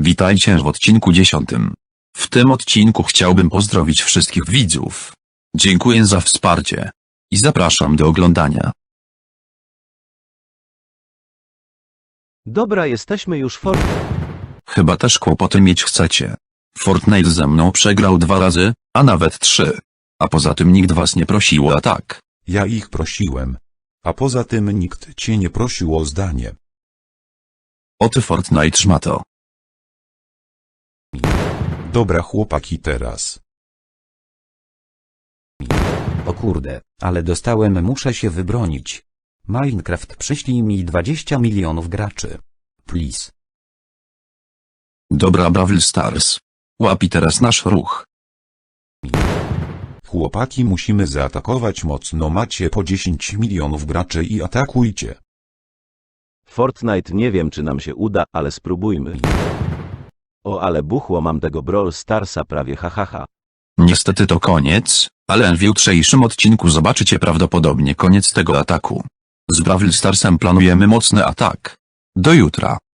Witajcie w odcinku 10. W tym odcinku chciałbym pozdrowić wszystkich widzów. Dziękuję za wsparcie. I zapraszam do oglądania. Dobra, jesteśmy już w Chyba też kłopoty mieć chcecie. Fortnite ze mną przegrał 2 razy, a nawet 3. A poza tym nikt was nie prosił o atak. Ja ich prosiłem. A poza tym nikt cię nie prosił o zdanie. O ty Fortnite szmato. Dobra chłopaki teraz. O kurde, ale dostałem, muszę się wybronić. Minecraft, przyślij mi 20 milionów graczy. Please. Dobra Brawl Stars. Łapi teraz nasz ruch. Chłopaki, musimy zaatakować mocno, macie po 10 milionów graczy i atakujcie. Fortnite, nie wiem czy nam się uda, ale spróbujmy. O, ale buchło, mam tego Brawl Starsa prawie, hahaha. Niestety to koniec, ale w jutrzejszym odcinku zobaczycie prawdopodobnie koniec tego ataku. Z Brawl Starsem planujemy mocny atak. Do jutra.